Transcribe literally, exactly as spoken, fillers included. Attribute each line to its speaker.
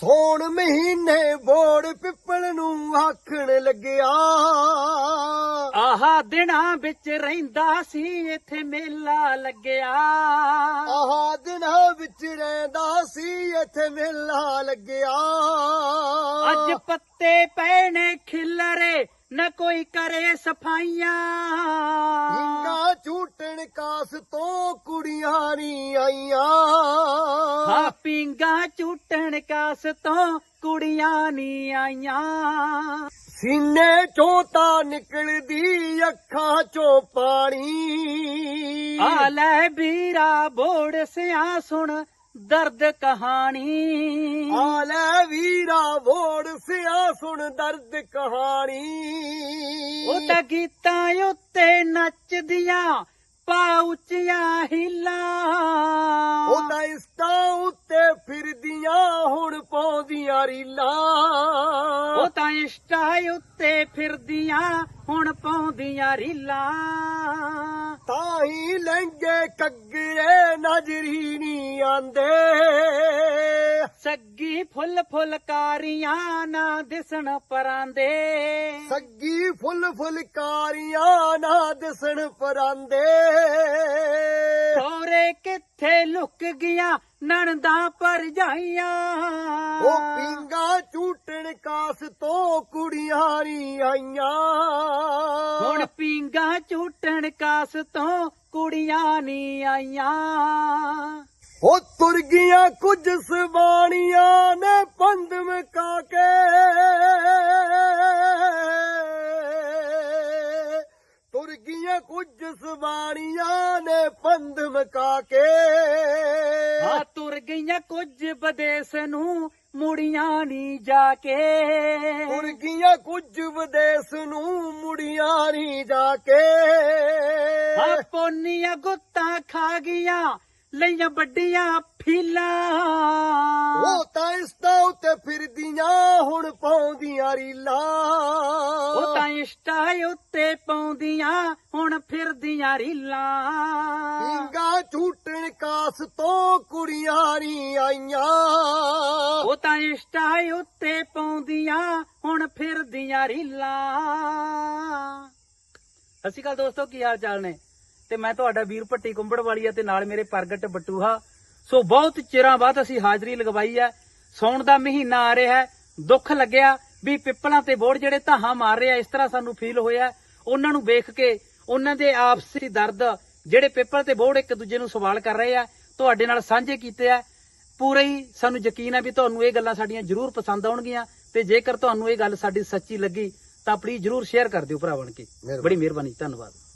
Speaker 1: ਸੌਣ ਮਹੀਨੇ ਬੋੜ ਪਿੱਪਲ ਨੂੰ ਆਖਣ ਲੱਗਿਆ,
Speaker 2: ਆਹਾ ਦਿਨਾਂ ਵਿੱਚ ਰਹਿੰਦਾ ਸੀ ਇੱਥੇ ਮੇਲਾ ਲੱਗਿਆ।
Speaker 1: ਆਹ ਦਿਨਾਂ ਵਿੱਚ ਰਹਿੰਦਾ ਸੀ ਇੱਥੇ ਮੇਲਾ ਲੱਗਿਆ।
Speaker 2: ਅੱਜ ਪੱਤੇ ਪਏ ਨੇ ਖਿਲਰੇ ਨਾ ਕੋਈ ਕਰੇ ਸਫਾਈਆਂ,
Speaker 1: ਹਿੰਗਾ ਝੂਟਣ ਕਾਸ ਤੋਂ ਕੁੜੀਆਂ ਨੀ ਆਈਆਂ।
Speaker 2: ਹਾਂ ਪੀਂਗਾ ਝੂਟਣ ਕਾਸ ਤੋਂ ਕੁੜੀਆਂ ਨੀ ਆਈਆਂ।
Speaker 1: ਸੀਨੇ ਚੋਂ ਤਾਂ ਨਿਕਲਦੀ ਅੱਖਾਂ ਚੋਂ ਪਾਣੀ,
Speaker 2: ਆ ਲੈ ਵੀਰਾ ਬੋੜ ਸਿਆ ਸੁਣ ਦਰਦ ਕਹਾਣੀ।
Speaker 1: ਆ ਲੈ ਵੀਰਾ ਬੋੜ ਸਿਆ ਸੁਣ ਦਰਦ ਕਹਾਣੀ।
Speaker 2: ਉਹ ਤਾਂ ਗੀਤਾਂ ਉੱਤੇ ਨੱਚਦੀਆਂ ਪਾ ਉੱਚੀਆਂ ਹੀਲਾਂ,
Speaker 1: ਉਹ ਤਾਂ ਇਸਤਾਂ ਉੱਤੇ ਫਿਰਦੀਆਂ ਹੁਣ ਪਾਉਂਦੀਆਂ ਰੀਲਾਂ।
Speaker 2: ਉਹ ਤਾਂ ਇੰਸਟਾ ਉੱਤੇ ਫਿਰਦੀਆਂ ਹੁਣ ਪਾਉਂਦੀਆਂ ਰੀਲਾਂ।
Speaker 1: ਤਾਂ ਹੀ ਲਹਿੰਗੇ ਕੱਗਰੇ ਨਜ਼ਰੀ ਨੀ ਆਂਦੇ,
Speaker 2: ਸੱਗੀ ਫੁੱਲ ਫੁਲਕਾਰੀਆਂ ਨਾ ਦਿਸਣ ਪਰਾਂਦੇ।
Speaker 1: ਸੱਗੀ ਫੁੱਲ ਫੁਲਕਾਰੀਆਂ ਨਾ ਦਿਸਣ ਪਰਾਂਦੇ।
Speaker 2: ਸੋਰੇ ਕਿੱਥੇ ਲੁਕ ਗਿਆ ਨਣਦਾਂ ਭਰਜਾਈਆਂ,
Speaker 1: ਉਹ ਪੀਂਗਾ ਝੂਟਣ ਕਾਸ ਤੋਂ ਕੁੜੀਆਂ ਨੀ ਆਈਆਂ।
Speaker 2: ਹੁਣ ਪੀਂਗਾ ਝੂਟਣ ਕਾਸ ਤੋਂ ਕੁੜੀਆਂ ਨੀ ਆਈਆਂ।
Speaker 1: ਉਹ ਤੁਰ ਗਈਆਂ ਕੁਝ ਸਵਾਣੀਆਂ ਨੇ ਪੰਧ ਮਕਾ ਕੇ, ਤੁਰ ਗਈਆਂ ਕੁਝ ਸਵਾਣੀਆਂ ਨੇ ਪੰਧ ਮਕਾ ਕੇ।
Speaker 2: ਆ ਤੁਰ ਗਈਆਂ ਕੁਝ ਵਿਦੇਸ ਨੂੰ ਮੁੜੀਆਂ ਨੀ ਜਾ ਕੇ।
Speaker 1: ਤੁਰ ਗਈਆਂ ਕੁਝ ਵਿਦੇਸ ਨੂੰ ਮੁੜੀਆਂ ਨੀ ਜਾ ਕੇ।
Speaker 2: ਆ ਪੋਨੀਆਂ ਗੁੱਤਾਂ ਖਾ ਗਈਆਂ ਲਈਆਂ ਵੱਡੀਆਂ ਫੀਲਾਂ,
Speaker 1: ਉਹ ਤਾਂ ਇਸਤਾ ਉੱਤੇ ਫਿਰਦੀਆਂ ਹੁਣ ਪਾਉਂਦੀਆਂ ਰੀਲਾਂ।
Speaker 2: ਉਹ ਤਾਂ ਇੰਸਟਾ ਉੱਤੇ ਪਾਉਂਦੀਆਂ ਹੁਣ ਫਿਰਦੀਆਂ ਰੀਲਾਂ।
Speaker 1: ਪੀਂਗਾ ਝੂਟਣ ਕਾਸ ਤੋਂ ਕੁੜੀਆਂ ਨੀ ਆਈਆਂ।
Speaker 2: ਉਹ ਤਾਂ ਇੰਸਟਾ ਉੱਤੇ ਪਾਉਂਦੀਆਂ ਹੁਣ ਫਿਰਦੀਆਂ ਰੀਲਾਂ। ਸਤਿ ਸ਼੍ਰੀ ਅਕਾਲ ਦੋਸਤੋ, ਕੀ ਹਾਲ ਚਾਲ ਨੇ? ਤੇ ਮੈਂ ਤੁਹਾਡਾ ਵੀਰ ਭੱਟੀ ਕੁੰਬੜ ਵਾਲੀ ਆ ਤੇ ਨਾਲ ਮੇਰੇ ਪ੍ਰਗਟ ਬਟੂਹਾ। ਸੋ ਬਹੁਤ ਚਿਰਾਂ ਬਾਅਦ ਅਸੀਂ ਹਾਜ਼ਰੀ ਲਗਵਾਈ ਹੈ। ਸੌਣ ਦਾ ਮਹੀਨਾ ਆ ਰਿਹਾ ਹੈ। ਦੁੱਖ ਲੱਗਿਆ ਵੀ ਪਿੱਪਲਾਂ ਤੇ ਬੋੜ ਜਿਹੜੇ ਧਾਹਾਂ ਮਾਰ ਰਹੇ ਆ, ਇਸ ਤਰ੍ਹਾਂ ਸਾਨੂੰ ਫੀਲ ਹੋਇਆ। ਉਹਨਾਂ ਨੂੰ ਵੇਖ ਕੇ ਉਹਨਾਂ ਦੇ ਆਪਸੀ ਦਰਦ ਜਿਹੜੇ ਪਿੱਪਲ ਤੇ ਬੋੜ ਇੱਕ ਦੂਜੇ ਨੂੰ ਸਵਾਲ ਕਰ ਰਹੇ ਆ, ਤੁਹਾਡੇ ਨਾਲ ਸਾਂਝੇ ਕੀਤੇ ਆ। ਪੂਰਾ ਹੀ ਸਾਨੂੰ ਯਕੀਨ ਹੈ ਵੀ ਤੁਹਾਨੂੰ ਇਹ ਗੱਲਾਂ ਸਾਡੀਆਂ ਜ਼ਰੂਰ ਪਸੰਦ ਆਉਣਗੀਆਂ। ਤੇ ਜੇਕਰ ਤੁਹਾਨੂੰ ਇਹ ਗੱਲ ਸਾਡੀ ਸੱਚੀ ਲੱਗੀ ਤਾਂ ਪਲੀਜ਼ ਜ਼ਰੂਰ ਸ਼ੇਅਰ ਕਰ ਦਿਓ ਭਰਾ ਬਣ ਕੇ। ਬੜੀ ਮਿਹਰਬਾਨੀ, ਧੰਨਵਾਦ।